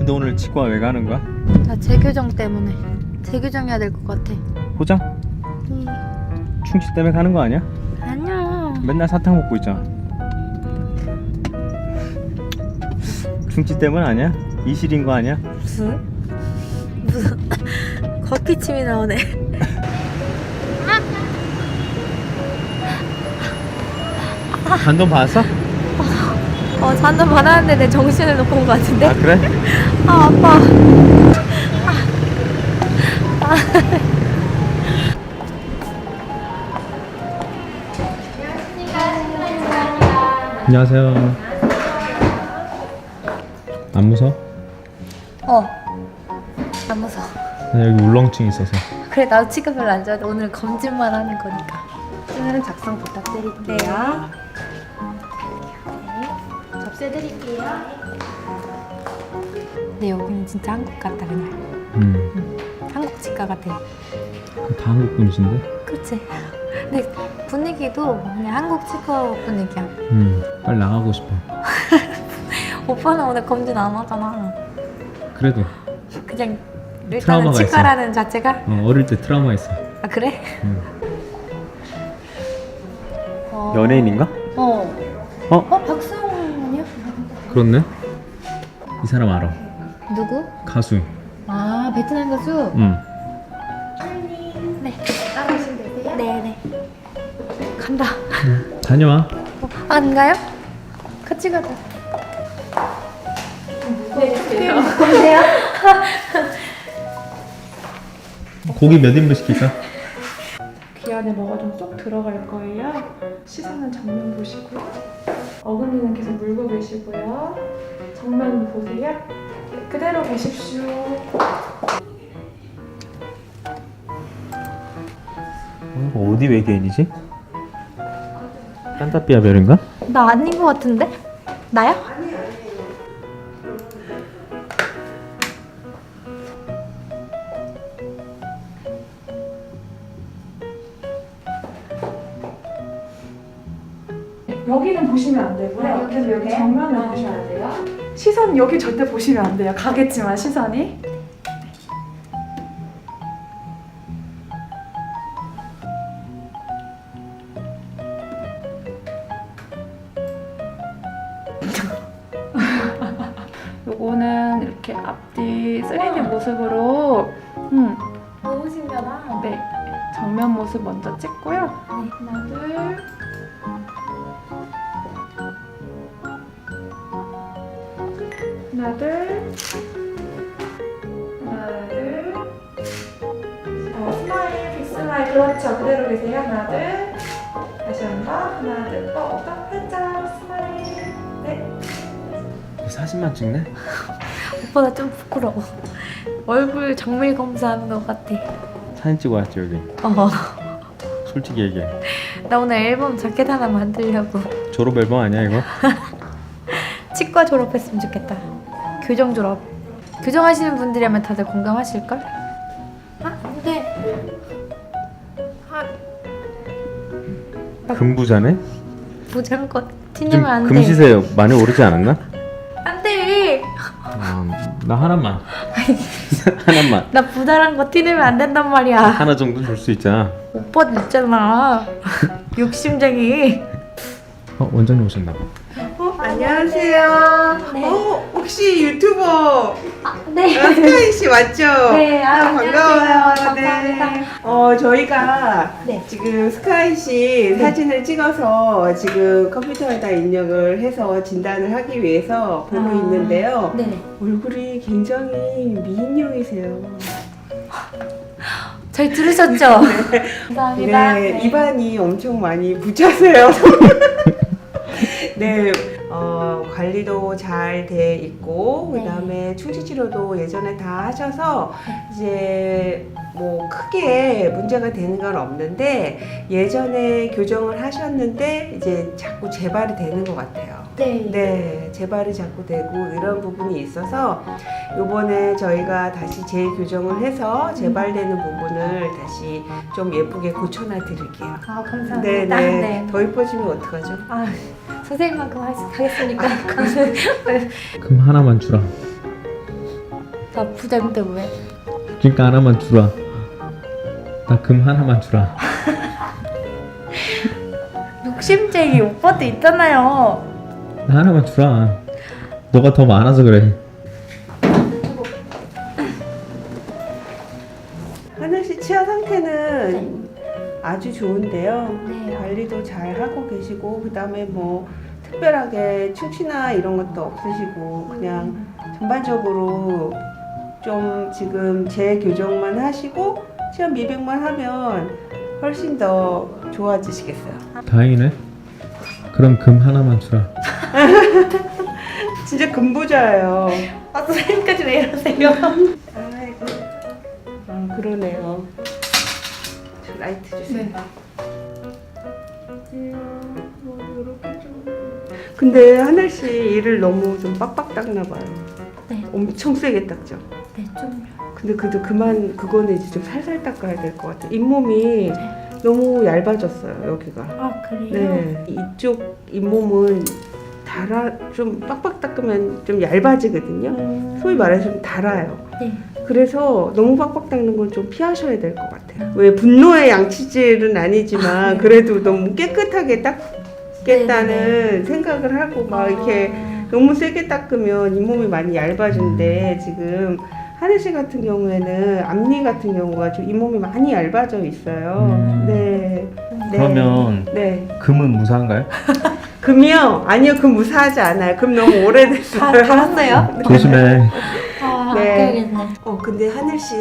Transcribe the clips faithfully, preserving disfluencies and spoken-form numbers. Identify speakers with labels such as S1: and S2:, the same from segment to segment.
S1: 근데 오늘 치과 왜 가는 거야?
S2: 나 재교정 때문에. 재교정해야 될 것 같아.
S1: 포장?
S2: 음.
S1: 충치 때문에 가는 거 아니야?
S2: 아니야.
S1: 맨날 사탕 먹고 있잖아. 충치 때문 아니야? 이실인 거 아니야?
S2: 무슨? 무슨 걷기침이 나오네.
S1: 잔돈 받았어?
S2: 어, 잔돈 받았는데 내 정신을 놓고 온 것 같은데?
S1: 아 그래?
S2: 아, 아파. 아. 아.
S1: 안녕하세요. 안 무서워?
S2: 어. 안 무서워.
S1: 나 여기 울렁증 있어서.
S2: 그래, 나도 치과 별로 안 좋아해. 오늘 검진만 하는 거니까.
S3: 오늘은 작성 부탁드릴게요. 네. 접수해드릴게요.
S2: 근데 여기는 진짜 한국 같다, 그냥.
S1: 음.
S2: 응. 한국 치과 같아.
S1: 다 한국 분이신데?
S2: 그치? 근데 분위기도 그냥 한국 치과 분위기야.
S1: 음. 빨리 나가고 싶어.
S2: 오빠는 오늘 검진 안 하잖아.
S1: 그래도
S2: 그냥 일단은
S1: 트라우마가
S2: 치과라는 자체가?
S1: 어, 어릴 때 트라우마 있어.
S2: 아, 그래?
S1: 음.
S2: 어...
S1: 연예인인가?
S2: 어.
S1: 어?
S2: 어? 박수홍 아니야?
S1: 그렇네. 이 사람 알아.
S2: 누구?
S1: 가수.
S2: 아, 베트남 가수?
S1: 응.
S2: 네. 따라오시면 되세요? 네네. 간다.
S1: 응. 다녀와.
S2: 어, 안 가요? 같이 가자.
S3: 네, 주세요.
S2: 보세요.
S1: 고기 몇 인분 시킬까?
S3: 귀 안에 뭐가 좀 쏙 들어갈 거예요. 시선은 정면 보시고요. 어금니는 계속 물고 계시고요. 정면 보세요. 그대로 보십시오.
S1: 어, 어디 외계인이지? 산타피아 별인가?
S2: 나 아닌 것 같은데? 나야?
S3: 여기는 보시면 안 되고요.
S2: 아, 여기
S3: 계속 여기
S2: 보세요?
S3: 정면을
S2: 아.
S3: 보셔야 돼요. 시선 여기 절대 보시면 안 돼요. 가겠지만 시선이. 요거는 이렇게 앞뒤 쓰리디 모습으로 음,
S2: 너무 신기하다.
S3: 네, 정면 모습 먼저 찍고요.
S2: 네.
S3: 하나, 둘. 하나, 둘. 하나, 둘. 어, 스마일, 빅 스마일. 그렇죠. 그대로 계세요. 하나, 둘. 다시 한 번. 하나, 둘. 어, 딱 살짝 스마일. 네.
S1: 사진만 찍네?
S2: 오빠 나 좀 부끄러워. 얼굴 정밀 검사하는 것 같아.
S1: 사진 찍어 왔지 여기.
S2: 어.
S1: 솔직히 얘기해.
S2: 나 오늘 앨범 자켓 하나 만들려고.
S1: 졸업 앨범 아니야 이거?
S2: 치과 졸업했으면 좋겠다. 교정 졸업. 교정하시는 분들이라면 다들 공감하실걸? 아, 근데 아,
S1: 금부자네?
S2: 부자인 거
S1: 좀
S2: 티내면 안 돼.
S1: 금시세 많이 오르지 않았나?
S2: 안 돼.
S1: 아, 나 하나만. 하나만.
S2: 나 부자란 거 티내면 안 된단 말이야.
S1: 하나 정도 줄 수 있잖아.
S2: 오빠도 있잖아. 욕심쟁이.
S1: 어, 원장님 오셨나 봐.
S4: 어, 안녕하세요.
S2: 네.
S4: 어, 혹시 유튜버
S2: 네.
S4: 스카이 씨 맞죠?
S2: 네, 아,
S4: 반가워요.
S2: 안녕하세요.
S4: 네.
S2: 감사합니다.
S4: 어, 저희가
S2: 네.
S4: 지금 스카이 씨 사진을 찍어서 지금 컴퓨터에다 입력을 해서 진단을 하기 위해서 보고
S2: 아.
S4: 있는데요.
S2: 네네.
S4: 얼굴이 굉장히 미인형이세요.
S2: 잘 들으셨죠? 감사합니다.
S4: 네, 입안이 엄청 많이 붙여서요. 네, 어, 관리도 잘 돼 있고,
S2: 네.
S4: 그 다음에 충치 치료도 예전에 다 하셔서, 이제 뭐 크게 문제가 되는 건 없는데, 예전에 교정을 하셨는데, 이제 자꾸 재발이 되는 것 같아요.
S2: 네.
S4: 네, 재발이 자꾸 되고 이런 부분이 있어서 요번에 저희가 다시 재교정을 해서 재발되는 부분을 다시 좀 예쁘게 고쳐놔 드릴게요.
S2: 아, 감사합니다.
S4: 네, 네.
S2: 네.
S4: 더 이뻐지면 어떡하죠?
S2: 아, 선생님만큼 하- 하겠습니까?
S1: 금 하나만 주라.
S2: 나 부자인데 왜?
S1: 그러니까 하나만 주라. 나 금 하나만 주라.
S2: 욕심쟁이 오빠도 있잖아요.
S1: 나 하나만 주라. 너가 더 많아서 그래.
S4: 하늘 씨 치아 상태는 아주 좋은데요.
S2: 네.
S4: 관리도 잘 하고 계시고 그다음에 뭐 특별하게 충치나 이런 것도 없으시고 그냥 전반적으로 좀 지금 재교정만 하시고 치아 미백만 하면 훨씬 더 좋아지시겠어요.
S1: 다행이네. 그럼 금 하나만 주라.
S4: 진짜 금부자예요.
S2: 아 선생님까지 왜 이러세요?
S4: 아이고. 아 그러네요. 저 라이트 주세요.
S3: 네.
S4: 뭐 이렇게 좀. 근데 하늘 씨 이를 너무 좀 빡빡 닦나 봐요.
S2: 네.
S4: 엄청 세게 닦죠.
S2: 네, 좀.
S4: 근데 그도 그만 그거는 이제 좀 살살 닦아야 될 것 같아요. 잇몸이 너무 얇아졌어요 여기가.
S2: 아 그래요?
S4: 네. 이쪽 잇몸은 달아 좀 빡빡 닦으면 좀 얇아지거든요.
S2: 음.
S4: 소위 말해서 좀 달아요.
S2: 네.
S4: 그래서 너무 빡빡 닦는 건 좀 피하셔야 될 것 같아요. 왜 분노의 양치질은 아니지만 그래도 너무 깨끗하게 닦겠다는
S2: 네,
S4: 생각을 하고 막 이렇게
S2: 아,
S4: 너무 세게 닦으면 잇몸이 많이 얇아진데 지금 하늘 씨 같은 경우에는 앞니 같은 경우가 좀 잇몸이 많이 얇아져 있어요.
S1: 음.
S4: 네. 네.
S1: 그러면
S4: 네.
S1: 금은 무사한가요?
S4: 금이요? 아니요, 금 무사하지 않아요. 금 너무 오래됐어요.
S2: 다 달았어요?
S1: 조심해.
S2: 아
S4: 네.
S2: 아껴야겠네.
S4: 어, 근데 하늘 씨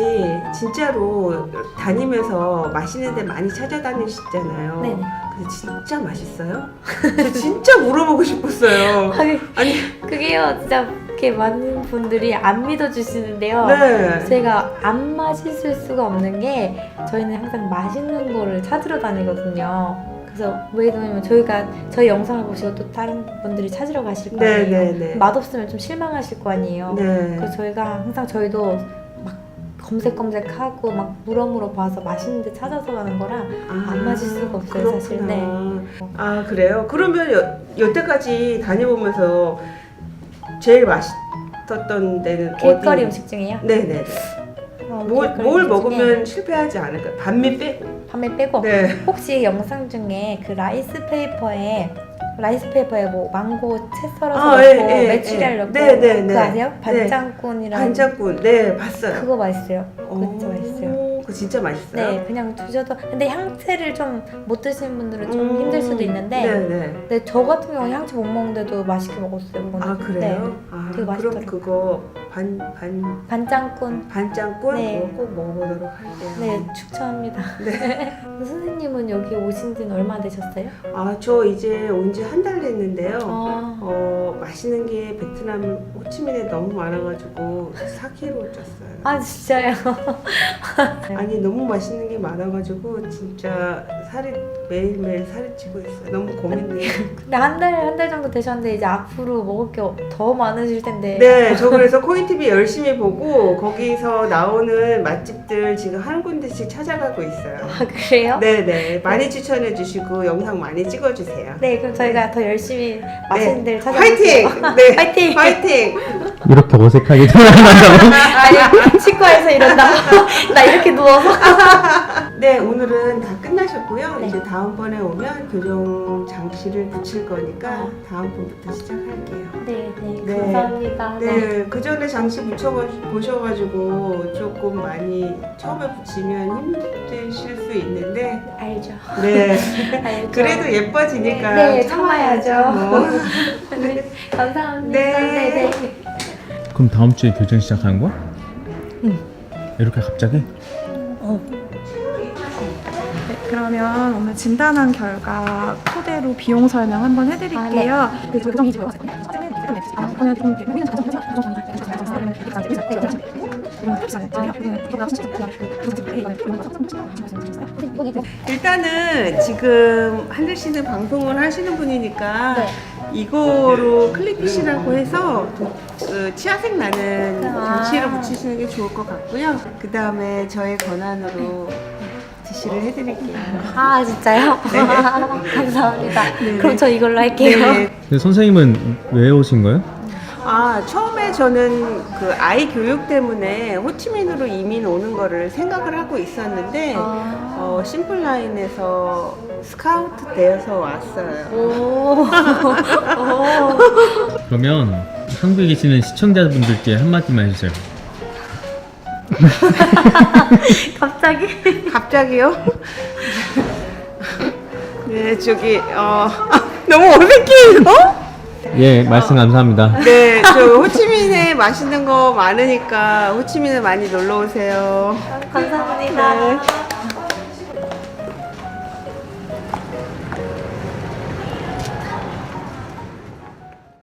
S4: 진짜로 다니면서 맛있는 데 많이 찾아다니시잖아요.
S2: 네네.
S4: 근데 진짜 맛있어요? 저 진짜 물어보고 싶었어요.
S2: 아니,
S4: 아니,
S2: 그게요 진짜 이렇게 많은 분들이 안 믿어주시는데요.
S4: 네.
S2: 제가 안 맛있을 수가 없는 게 저희는 항상 맛있는 거를 찾으러 다니거든요. 그래서 왜냐면 저희가 저희 영상을 보시고 또 다른 분들이 찾으러 가실 거
S4: 네,
S2: 아니에요.
S4: 네, 네.
S2: 맛없으면 좀 실망하실 거 아니에요.
S4: 네.
S2: 그래서 저희가 항상 저희도 막 검색검색하고 막 물어물어 봐서 맛있는 데 찾아서 가는 거라
S4: 아,
S2: 안 맞을 수가 없어요,
S4: 그렇구나.
S2: 사실. 네.
S4: 아, 그래요? 그러면 여, 여태까지 다녀보면서 제일 맛있었던 데는
S2: 길거리
S4: 어디?
S2: 음식 중에요?
S4: 네네네.
S2: 어,
S4: 뭘,
S2: 길거리
S4: 뭘
S2: 음식
S4: 먹으면
S2: 중에
S4: 실패하지 않을까요? 반미 빼고.
S2: 밤에 빼고
S4: 네.
S2: 혹시 영상 중에 그 라이스 페이퍼에 라이스 페이퍼에 뭐 망고 채 썰어서
S4: 아,
S2: 넣고
S4: 예, 예,
S2: 메추리알
S4: 예.
S2: 넣고
S4: 네, 네, 네.
S2: 그거 아세요?
S4: 네.
S2: 반짱꾼이랑
S4: 반짝군. 네, 봤어요.
S2: 그거 맛있어요. 그거 진짜 맛있어요.
S4: 오, 그거 진짜 맛있어요?
S2: 네, 그냥 드셔도 근데 향채를 좀 못 드시는 분들은 좀
S4: 음,
S2: 힘들 수도 있는데
S4: 네네.
S2: 근데 저 같은 경우는 향채 못 먹는데도 맛있게 먹었어요. 그거는.
S4: 아, 그래요? 아,
S2: 되게
S4: 그럼
S2: 맛있더라고요.
S4: 그거 반, 반,
S2: 네, 반짱꾼
S4: 반짱꾼?
S2: 네.
S4: 그거 꼭 먹어보도록 할게요.
S2: 네 추천합니다.
S4: 네.
S2: 선생님은 여기 오신 지는 얼마 되셨어요?
S4: 아, 저 이제 온 지 한 달 됐는데요.
S2: 아,
S4: 어, 맛있는 게 베트남 호치민에 너무 많아가지고 사 킬로그램 쪘어요.
S2: 아 진짜요?
S4: 아니, 너무 맛있는 게 많아가지고 진짜 살이 매일매일 살이 찌고 있어요. 너무 고민돼요.
S2: 근데 한 달 한 달 정도 되셨는데 이제 앞으로 먹을 게 더 많으실 텐데.
S4: 네, 저 그래서 코인티비 열심히 보고 거기서 나오는 맛집들 지금 한 군데씩 찾아가고 있어요.
S2: 아 그래요?
S4: 네네, 많이 추천해 주시고 영상 많이 찍어주세요.
S2: 네, 그럼 저희가 더 열심히 맛있는 데를
S4: 네. 화이팅!
S2: 찾아볼게요.
S4: 네,
S2: 화이팅!
S4: 화이팅!
S1: 이렇게 어색하게 전화한다고?
S2: 아니 치과에서 이런다고 나 이렇게 누워서.
S4: 네, 오늘은 다 끝나셨고요.
S2: 네.
S4: 이제 다음번에 오면 교정 장치를 붙일 거니까
S2: 아.
S4: 다음번부터 시작할게요.
S2: 네, 네,
S4: 네.
S2: 감사합니다. 네.
S4: 네, 그 전에 장치 붙여보셔가지고 조금 많이 처음에 붙이면 힘드실 수 있는데,
S2: 알죠.
S4: 네,
S2: 알죠.
S4: 그래도 예뻐지니까
S2: 네, 네,
S4: 참아야죠.
S2: 참아야죠.
S4: 뭐.
S2: 네, 감사합니다.
S4: 네.
S2: 네, 네.
S1: 그럼 다음 주에 교정 시작하는 거야?
S2: 응.
S1: 이렇게 갑자기?
S2: 어.
S3: 네, 그러면 오늘 진단한 결과 토대로 비용 설명 한번 해드릴게요.
S2: 아,
S3: 그 교정이 지금 아, 그냥 좀 보이는
S4: 일단은 지금 하늘 씨는 방송을 하시는 분이니까
S2: 네.
S4: 이거로 클리피시라고 해서 그 치아색 나는
S2: 아.
S4: 장치를 붙이시는 게 좋을 것 같고요. 그 다음에 저의 권한으로 지시를 해드릴게요.
S2: 아 진짜요?
S4: 네.
S2: 감사합니다.
S4: 네,
S2: 그럼
S4: 네.
S2: 저 이걸로 할게요.
S4: 네.
S1: 근데 선생님은 왜 오신 거예요?
S4: 아, 처음에 저는 그 아이 교육 때문에 호치민으로 이민 오는 거를 생각을 하고 있었는데,
S2: 아.
S4: 어, 심플라인에서 스카우트 되어서 왔어요.
S2: 오. 오.
S1: 그러면 한국에 계시는 시청자분들께 한마디만 해주세요.
S2: 갑자기?
S4: 갑자기요? 네, 저기, 어, 너무 어색해요?
S1: 예, 말씀 감사합니다.
S4: 네, 저 호치민에 맛있는 거 많으니까 호치민에 많이 놀러 오세요.
S2: 감사합니다.
S4: 네.